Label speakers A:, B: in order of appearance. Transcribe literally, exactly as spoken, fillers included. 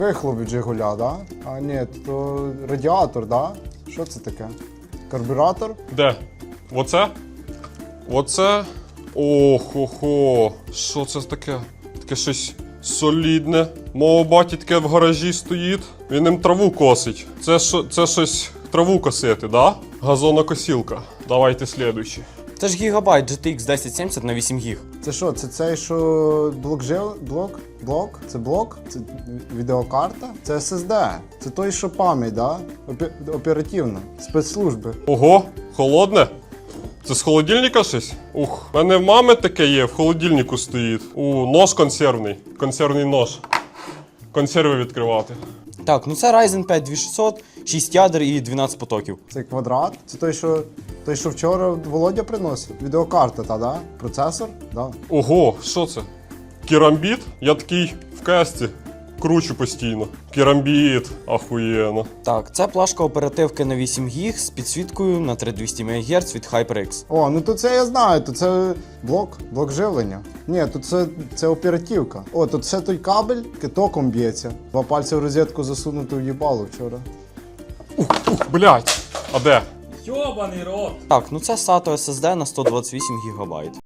A: Вихлоп від Жигуля, да? А ні, то радіатор, да? Що це таке? Карбюратор?
B: Де? Оце? Оце? Охо-хо. Що це таке? Таке щось солідне. Мого баті таке в гаражі стоїть. Він їм траву косить. Це, що, це щось траву косити, да? Газонокосілка. Давайте слідуючий.
C: Це ж гігабайт джі ті ікс десять сімдесят на вісім гіг.
A: Це що? Це цей, що блок жив? Блок? Блок? Це блок? Це відеокарта? Це ес ес ді. Це той, що пам'ять, да? Опі... Оперативна. Спецслужби.
B: Ого, холодне? Це з холодильника щось? Ух, в мене в мами таке є, в холодильнику стоїть. У, нож консервний. Консервний нож. Консерви відкривати.
C: Так, ну це Ryzen п'ять двадцять шістсот, шість ядер і дванадцять потоків.
A: Це квадрат. Це той, що, той, що вчора Володя приносив. Відеокарта, та, да? Процесор? Да.
B: Ого, що це? Керамбіт? Я такий в касті кручу постійно. Керамбіт, ахуєнно.
C: Так, це плашка оперативки на вісім гіг з підсвіткою на три тисячі двісті МГц від HyperX.
A: О, ну то це я знаю, то це блок, блок живлення. Ні, тут це, це оперативка. О, тут це той кабель, током б'ється. Два пальці в розетку засунути в їбало вчора.
B: Ух, ух, блядь. А де?
D: Йобаний рот!
C: Так, ну це сато ес ес ді на сто двадцять вісім гігабайт.